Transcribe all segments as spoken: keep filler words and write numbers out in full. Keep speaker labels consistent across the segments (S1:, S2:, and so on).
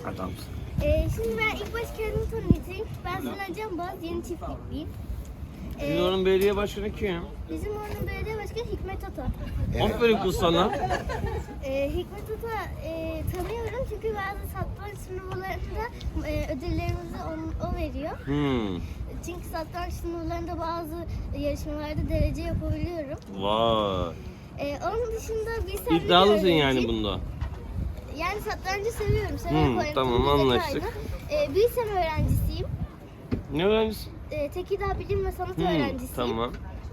S1: Adamsın.
S2: Ee, şimdi ben ilk baş kendimi tanıtayım. Ben Sinan Can Boğaz, yeni çiftlikliyim.
S3: Sizin oranın belediye başkanı kim?
S2: Bizim oranın belediye başkanı Hikmet Ata.
S3: Aferin kız sana.
S2: Ee, Hikmet Ata e, tanıyorum çünkü bazı satranç turnuvalarında e, ödüllerimizi on, o veriyor.
S3: Hmm.
S2: Çünkü satranç turnuvalarında bazı yarışmalarda derece yapabiliyorum.
S3: Vay.
S2: Ee, onun dışında bir sen
S3: İddialısın yani bunda.
S2: Yani satrancı seviyorum. Severek
S3: Hmm,
S2: oynadım.
S3: tamam,
S2: Bir
S3: anlaştık.
S2: detaylı. Ee, Bilsem öğrencisiyim.
S3: Ne öğrencisin?
S2: Ee, Tekirdağ Bilim ve Sanat
S3: Hmm,
S2: öğrencisiyim.
S3: tamam.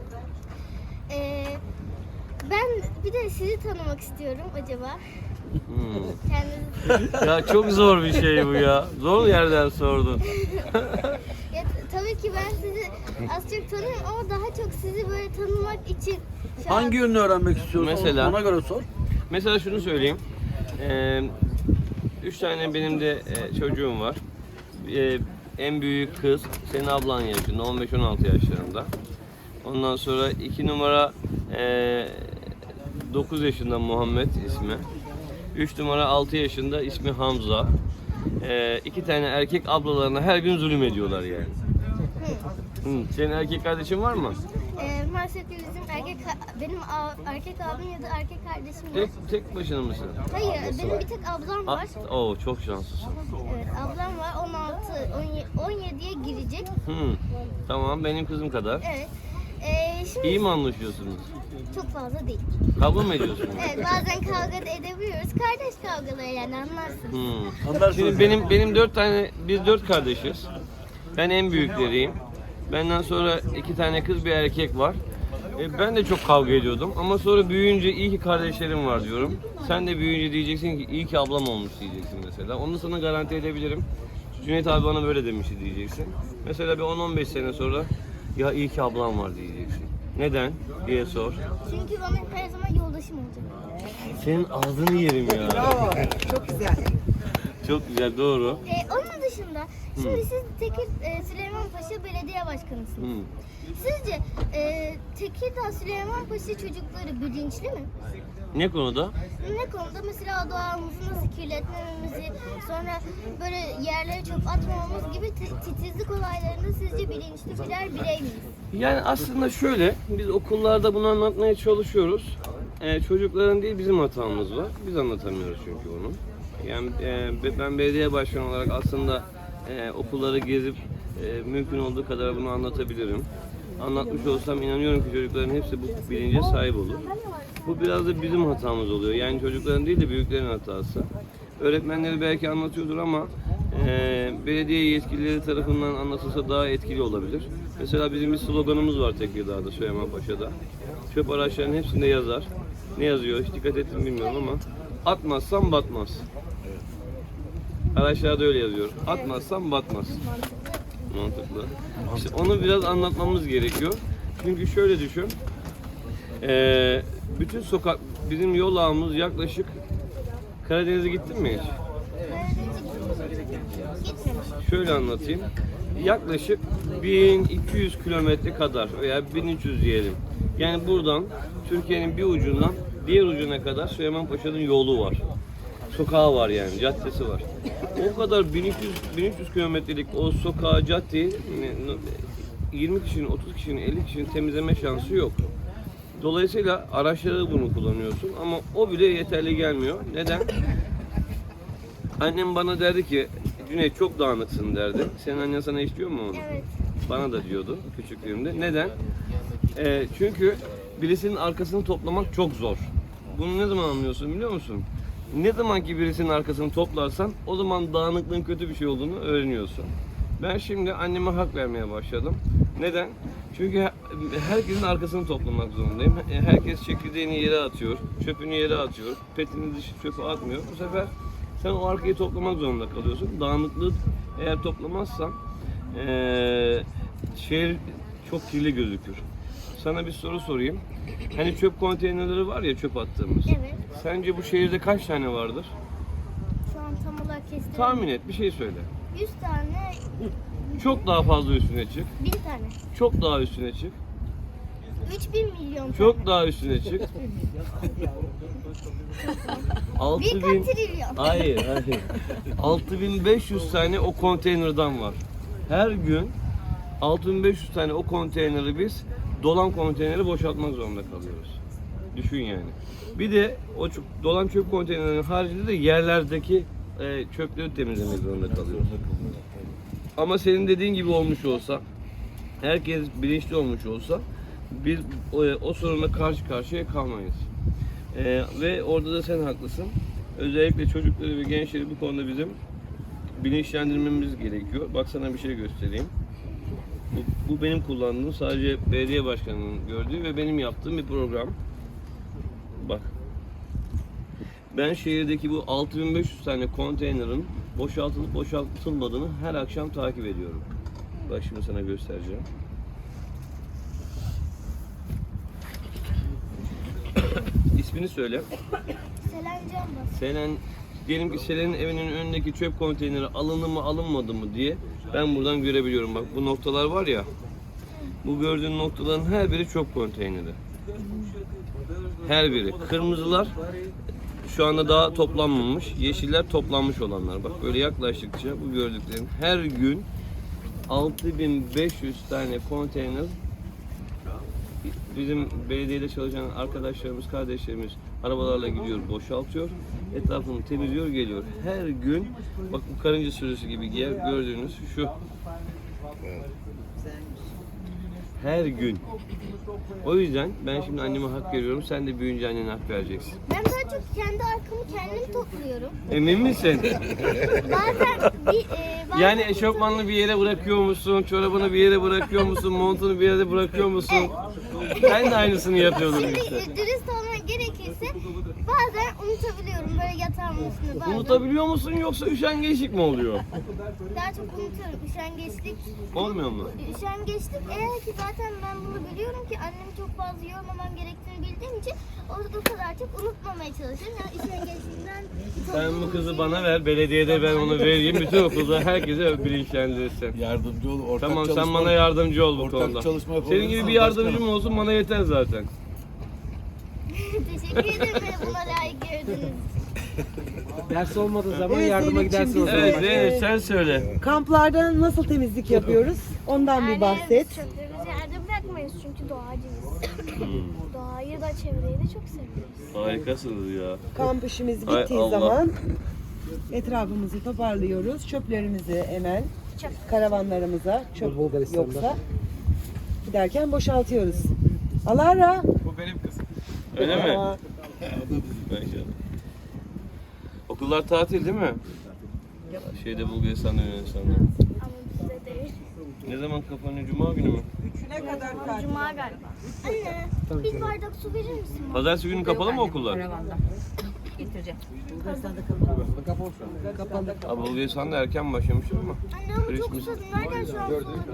S2: Ee, ben bir de sizi tanımak istiyorum acaba.
S3: Hmm.
S2: Kendinizi...
S3: Ya çok zor bir şey bu ya. Zor yerden sordun.
S2: ya, t- tabii ki ben sizi az çok tanıyorum ama daha çok sizi böyle tanımak için şu an-
S1: Hangi yönünü öğrenmek istiyorsun?
S3: Mesela?
S1: Ona göre sor.
S3: Mesela şunu söyleyeyim. Ee, üç tane benim de e, çocuğum var. Ee, en büyük kız senin ablan yaşında, on beş on altı yaşlarında. Ondan sonra iki numara e, dokuz yaşında Muhammed ismi. üç numara altı yaşında ismi Hamza. Ee, iki tane erkek ablalarına her gün zulüm ediyorlar yani. Hı. Senin erkek kardeşin var mı?
S2: Ee, maalesef ki bizim erkek benim a- erkek abim ya da erkek kardeşim yok.
S3: Tek, tek başına mısın?
S2: Hayır, benim bir tek ablam var.
S3: Ah, oo, çok şanslısın.
S2: Evet, ablam var. on altı, on yediye girecek.
S3: Hı. Tamam, benim kızım kadar.
S2: Evet. Ee, şimdi
S3: İyi mi anlaşıyorsunuz?
S2: çok fazla değil.
S3: Kavga mı ediyorsunuz?
S2: Evet, bazen kavga da edebiliyoruz. Kardeş kavgaları yani anlarsın.
S3: Hmm.
S1: Anlarsın.
S3: Şimdi benim benim dört tane, biz dört kardeşiz. Ben en büyükleriyim. Benden sonra iki tane kız bir erkek var. E, ben de çok kavga ediyordum ama sonra büyüyünce iyi ki kardeşlerim var diyorum. Sen de büyüyünce diyeceksin ki iyi ki ablam olmuş diyeceksin mesela. Onu sana garanti edebilirim. Cüneyt abi bana böyle demişti diyeceksin. Mesela bir on on beş sene sonra ya iyi ki ablam var diyeceksin. Neden diye sor.
S2: Çünkü bana her zaman yoldaşım olacak.
S3: Senin ağzını yerim ya.
S4: Çok güzel.
S3: Çok güzel, doğru.
S2: Ee, onun dışında şimdi siz Tekir e, Süleymanpaşa Belediye Başkanısınız.
S3: Hmm.
S2: Sizce e, Tekirdağ Süleymanpaşa çocukları bilinçli mi?
S3: Ne konuda?
S2: Ne konuda? Mesela doğamızı nasıl kirletmememizi, sonra böyle yerlere çöp atmamamız gibi ti- titizlik olaylarında sizce bilinçli birer birey miyiz?
S3: Yani aslında şöyle, biz okullarda bunu anlatmaya çalışıyoruz. Ee, çocukların değil bizim hatamız var. Biz anlatamıyoruz çünkü bunu. Yani e, ben belediye başkanı olarak aslında e, okulları gezip e, mümkün olduğu kadar bunu anlatabilirim. Anlatmış olsam inanıyorum ki çocukların hepsi bu bilince sahip olur. Bu biraz da bizim hatamız oluyor. Yani çocukların değil de büyüklerin hatası. Öğretmenleri belki anlatıyordur ama e, belediye yetkilileri tarafından anlatılsa daha etkili olabilir. Mesela bizim bir sloganımız var Tekirdağ'da, Süleymanpaşa'da. Çöp araçlarının hepsinde yazar. Ne yazıyor hiç dikkat ettim bilmiyorum ama atmazsan batmaz. Araçlarda öyle yazıyor. Atmazsan batmaz. Mantıklı. İşte onu biraz anlatmamız gerekiyor. Çünkü şöyle düşün. Ee, bütün sokak, bizim yol ağımız yaklaşık Karadeniz'e gittin mi hiç?
S2: Gitmemiş.
S3: Şöyle anlatayım. Yaklaşık bin iki yüz kilometre kadar veya bin üç yüz diyelim. Yani buradan Türkiye'nin bir ucundan diğer ucuna kadar Süleymanpaşa'nın yolu var. Sokağı var yani, caddesi var. O kadar bin iki yüz bin üç yüz kilometrelik o sokağı, caddeyi yirmi kişinin, otuz kişinin, elli kişinin temizleme şansı yok. Dolayısıyla araçları bunu kullanıyorsun ama o bile yeterli gelmiyor. Neden? Annem bana derdi ki, Cüneyt çok dağınıksın derdi. Senin annen sana hiç diyor mu onu?
S2: Evet.
S3: Bana da diyordu küçüklüğümde. Neden? Ee, çünkü birisinin arkasını toplamak çok zor. Bunu ne zaman anlıyorsun biliyor musun? Ne zaman ki birisinin arkasını toplarsan o zaman dağınıklığın kötü bir şey olduğunu öğreniyorsun. Ben şimdi anneme hak vermeye başladım. Neden? Çünkü herkesin arkasını toplamak zorundayım. Herkes çekirdeğini yere atıyor, çöpünü yere atıyor, petini dışı çöpe atmıyor. Bu sefer sen o arkayı toplamak zorunda kalıyorsun. Dağınıklığı eğer toplamazsan ee, şehir çok kirli gözükür. Sana bir soru sorayım. Hani çöp konteynerleri var ya, çöp attığımız.
S2: Evet.
S3: Sence bu şehirde kaç tane vardır?
S2: Şu an tam olarak kestim.
S3: Tahmin et, bir şey söyle.
S2: yüz tane,
S3: Çok daha fazla üstüne çık.
S2: bin tane.
S3: Çok daha üstüne çık.
S2: üç bin milyon tane.
S3: Çok daha üstüne çık. altı
S2: Bir
S3: bin.
S2: kat trilyon.
S3: Hayır, hayır. altı bin beş yüz tane o konteynerden var. Her gün altı bin beş yüz tane o konteyneri biz dolan konteyneri boşaltmak zorunda kalıyoruz. Düşün yani. Bir de o çöp- dolan çöp konteynerinin haricinde de yerlerdeki e, çöpleri temizlemek zorunda kalıyoruz. Ama senin dediğin gibi olmuş olsa, herkes bilinçli olmuş olsa biz o, o sorunla karşı karşıya kalmayız. E, ve orada da sen haklısın. Özellikle çocukları ve gençleri bu konuda bizim bilinçlendirmemiz gerekiyor. Bak sana bir şey göstereyim. Bu, bu benim kullandığım, sadece belediye başkanının gördüğü ve benim yaptığım bir program. Bak. Ben şehirdeki bu altı bin beş yüz tane konteynerin boşaltılıp boşaltılmadığını her akşam takip ediyorum. Bak şimdi sana göstereceğim. İsmini söyle.
S2: Selen Canbaz.
S3: Selen, diyelim ki Selen'in evinin önündeki çöp konteyneri alındı mı alınmadı mı diye ben buradan görebiliyorum. Bak bu noktalar var ya, bu gördüğün noktaların her biri çöp konteyneri. Her biri. Kırmızılar şu anda daha toplanmamış, yeşiller toplanmış olanlar. Bak böyle yaklaştıkça bu gördüklerin her gün altı bin beş yüz tane konteyner bizim belediyede çalışan arkadaşlarımız, kardeşlerimiz arabalarla gidiyor, boşaltıyor, etrafını temizliyor, geliyor. Her gün, bak bu karınca sürüsü gibi giyer, gördüğünüz şu. Her gün. O yüzden ben şimdi anneme hak veriyorum, sen de büyüyünce annene hak vereceksin.
S2: Ben daha çok kendi arkamı kendim topluyorum.
S3: Emin misin?
S2: Bazen bir e, bazen
S3: Yani eşofmanını bir yere bırakıyor musun, çorabını bir yere bırakıyor musun, montunu bir yere bırakıyor musun? Ben de aynısını yapıyordum
S2: Şimdi
S3: işte.
S2: e, dürüst olmak gerekirse bazen unutabiliyorum böyle yatağımın üstünde bazen.
S3: Unutabiliyor musun yoksa üşengeçlik mi oluyor?
S2: Daha çok unutuyorum. Üşengeçlik.
S3: Olmuyor mu?
S2: Üşengeçlik eğer ki zaten ben bunu biliyorum ki annemi çok fazla yormamam gerektiğini bildiğim için o, o kadar çok unutmamaya çalışıyorum. Yani üşengeçlikten
S3: Sen bu kızı bana ver, belediyede ben onu vereyim, bütün okulda herkese bilinçlendirirsin.
S1: Yardımcı ol, ortak
S3: Tamam,
S1: çalışma.
S3: sen bana yardımcı ol bu
S1: ortak
S3: konuda.
S1: çalışma yapalım.
S3: Senin gibi bir yardımcım olsun, bana yeter zaten.
S2: teşekkür ederim beni buna layık gördüğünüz için.
S4: Ders olmadığı zaman
S5: Evet,
S4: yardıma
S5: Zeynep'ciğim,
S4: gidersin o
S5: biz
S4: zaman.
S3: Evet
S5: de-
S3: Zeynep sen söyle.
S5: Kamplarda nasıl temizlik yapıyoruz? Ondan bir bahset.
S6: Çöplerimizi yerde bırakmayız çünkü doğacıyız. Doğayı da çevreyi de çok seviyoruz.
S3: Harikasınız ya.
S5: Kamp işimiz
S3: Ay
S5: bittiği
S3: Allah.
S5: zaman etrafımızı toparlıyoruz. Çöplerimizi hemen
S6: Çöp.
S5: karavanlarımıza, çöp
S4: Bulgaristan'da.
S5: yoksa giderken boşaltıyoruz. Alara.
S3: Bu benim kızım. Öyle mi?
S5: Aa,
S3: Bence. Okullar tatil değil mi? Şeyde Bulgaristan'da, Yunanistan'da.
S6: Ama bizde değil.
S3: Ne zaman kapanıyor? Cuma günü mü?
S6: Cuma galiba.
S2: Anne bir bardak su verir misin?
S3: Pazartesi günü kapalı mı okullar?
S5: kapalı.
S3: Abi Bulgaristan'da erken başlamışlar ama.
S2: Anne ama çok
S3: Christmas.
S2: susadım. Nereden şu an su